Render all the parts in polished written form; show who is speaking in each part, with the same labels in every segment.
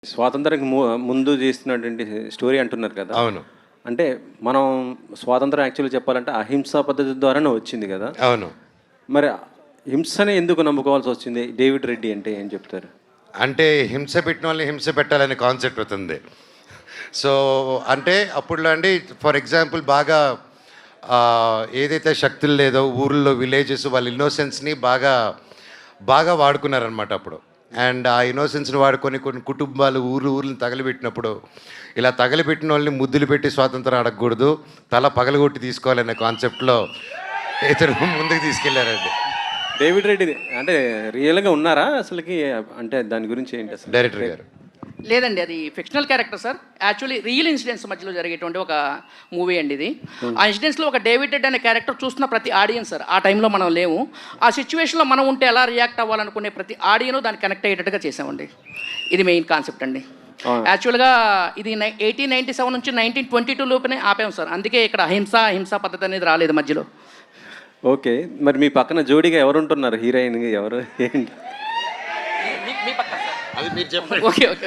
Speaker 1: స్వాతంత్రానికి ముందు చేస్తున్నటువంటి స్టోరీ అంటున్నారు కదా.
Speaker 2: అవును.
Speaker 1: అంటే మనం స్వాతంత్రం యాక్చువల్గా చెప్పాలంటే అహింసా పద్ధతి ద్వారానే వచ్చింది కదా.
Speaker 2: అవును.
Speaker 1: మరి హింసనే ఎందుకు నమ్ముకోవాల్సి వచ్చింది? డేవిడ్ రెడ్డి అంటే ఏం చెప్తారు?
Speaker 2: అంటే హింస పెట్టిన వాళ్ళని హింస పెట్టాలనే కాన్సెప్ట్ అవుతుంది. సో అంటే అప్పుడులో అండి ఫర్ ఎగ్జాంపుల్ బాగా ఏదైతే శక్తులు లేదో ఊర్లో విలేజెస్ వాళ్ళ ఇన్నోసెన్స్ని బాగా బాగా వాడుకున్నారనమాట అప్పుడు. అండ్ ఆ ఇన్నోసెన్స్ని వాడుకొని కొన్ని కుటుంబాలు ఊర్లను తగలబెట్టినప్పుడు ఇలా తగలబెట్టిన వాళ్ళని ముద్దులు పెట్టి స్వాతంత్రం అడగకూడదు, తల పగలగొట్టి తీసుకోవాలనే కాన్సెప్ట్లో ఇతను ముందుకు తీసుకెళ్లారండి.
Speaker 1: డేవిడ్ రెడ్డి అంటే రియల్గా ఉన్నారా అసలుకి? అంటే దాని గురించి ఏంటి అసలు?
Speaker 2: డైరెక్టర్ గారు
Speaker 3: లేదండి, అది fictional character sir. Actually real incidents మధ్యలో జరిగేటువంటి ఒక మూవీ అండి ఇది. ఆ ఇన్సిడెంట్స్లో ఒక డేవిడ్ రెడ్ అనే క్యారెక్టర్ చూస్తున్న ప్రతి ఆడియన్స్ సార్, ఆ టైంలో మనం లేము, ఆ సిచ్యువేషన్లో మనం ఉంటే ఎలా రియాక్ట్ అవ్వాలనుకునే ప్రతి ఆడియను దాన్ని కనెక్ట్ అయ్యేటట్టుగా చేసామండి. ఇది మెయిన్ కాన్సెప్ట్ అండి. యాక్చువల్గా ఇది 1897 నుంచి 1922 లోపునే ఆపాము సార్. అందుకే ఇక్కడ హింసా పద్ధతి అనేది రాలేదు మధ్యలో.
Speaker 1: ఓకే, మరి మీ పక్కన జోడీగా ఎవరు ఉంటున్నారు? హీరోయిన్ ఎవరు ఏంటి?
Speaker 3: మీ పక్కన సార్
Speaker 2: అది మీరు చెప్పండి.
Speaker 3: ఓకే ఓకే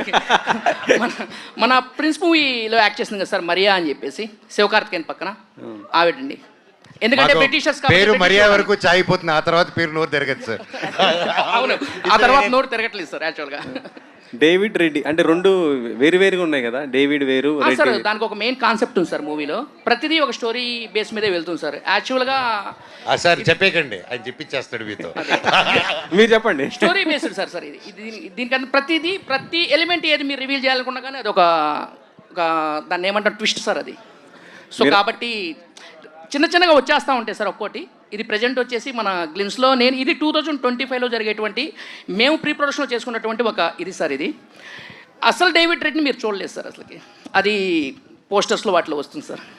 Speaker 3: మన ప్రిన్స్ మూవీలో యాక్ట్ చేసింది కదా సార్, మరియా అని చెప్పేసి, శివకార్తికేయన్ పక్కన ఆవిడండి. ఎందుకంటే బ్రిటిషర్స్
Speaker 2: పేరు మరియా వరకు చాయిపోతుంది, ఆ తర్వాత పేరు నోరు తిరగదు సార్.
Speaker 3: అవును, ఆ తర్వాత నోరు తిరగట్లేదు సార్ యాక్చువల్గా.
Speaker 1: డేవిడ్ రెడ్డి అంటే రెండు వేరుగా ఉన్నాయి కదా. డేవిడ్ వేరు,
Speaker 3: సార్ దానికి ఒక మెయిన్ కాన్సెప్ట్ ఉంది సార్ మూవీలో. ప్రతిదీ ఒక స్టోరీ బేస్ మీదే వెళ్తుంది సార్. యాక్చువల్గా
Speaker 2: సార్ చెప్పేకండి, ఆయన చెప్పించేస్తాడు మీతో.
Speaker 1: మీరు చెప్పండి.
Speaker 3: Story based sir. సార్ ఇది దీనికన్నా ప్రతి ఎలిమెంట్ ఏది మీరు రివీల్ చేయాలనుకున్నా కానీ అది ఒక దాన్ని ఏమంటారు ట్విస్ట్ సార్ అది. సో కాబట్టి చిన్నగా వచ్చేస్తూ ఉంటాయి సార్ ఒక్కోటి. ఇది ప్రజెంట్ వచ్చేసి మన గ్లిమ్స్లో ఇది 2025లో జరిగేటువంటి మేము ప్రీ ప్రొడక్షన్లో చేసుకున్నటువంటి ఒక ఇది సార్. ఇది అసలు డేవిడ్ రెడ్ని మీరు చూడలేదు సార్ అసలుకి, అది పోస్టర్స్లో వాటిలో వస్తుంది సార్.